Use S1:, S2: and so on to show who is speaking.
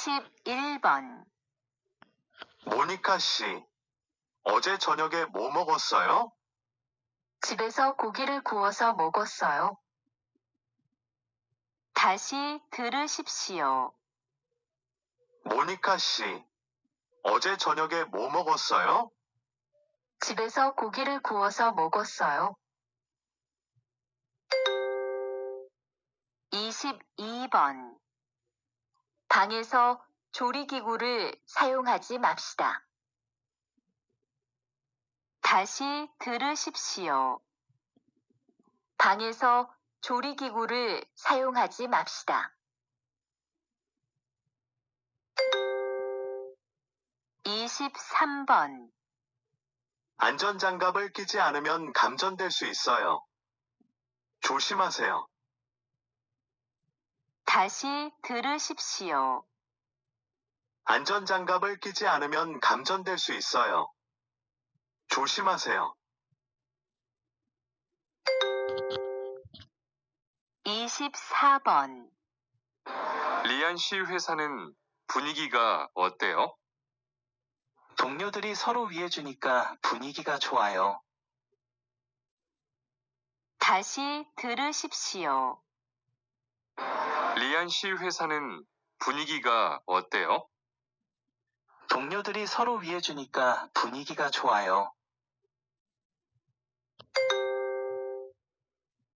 S1: 41번.
S2: 모니카 씨, 어제 저녁에 뭐 먹었어요?
S1: 집에서 고기를 구워서 먹었어요. 다시 들으십시오.
S2: 모니카 씨, 어제 저녁에 뭐 먹었어요?
S1: 집에서 고기를 구워서 먹었어요. 22번. 방에서 조리기구를 사용하지 맙시다. 다시 들으십시오. 방에서 조리기구를 사용하지 맙시다. 23번.
S2: 안전장갑을 끼지 않으면 감전될 수 있어요. 조심하세요.
S1: 다시 들으십시오.
S2: 안전장갑을 끼지 않으면 감전될 수 있어요. 조심하세요.
S1: 24번.
S3: 리안 씨 회사는 분위기가 어때요?
S4: 동료들이 서로 위해주니까 분위기가 좋아요.
S1: 다시 들으십시오.
S3: 리안 씨 회사는 분위기가 어때요?
S4: 동료들이 서로 위해주니까 분위기가 좋아요.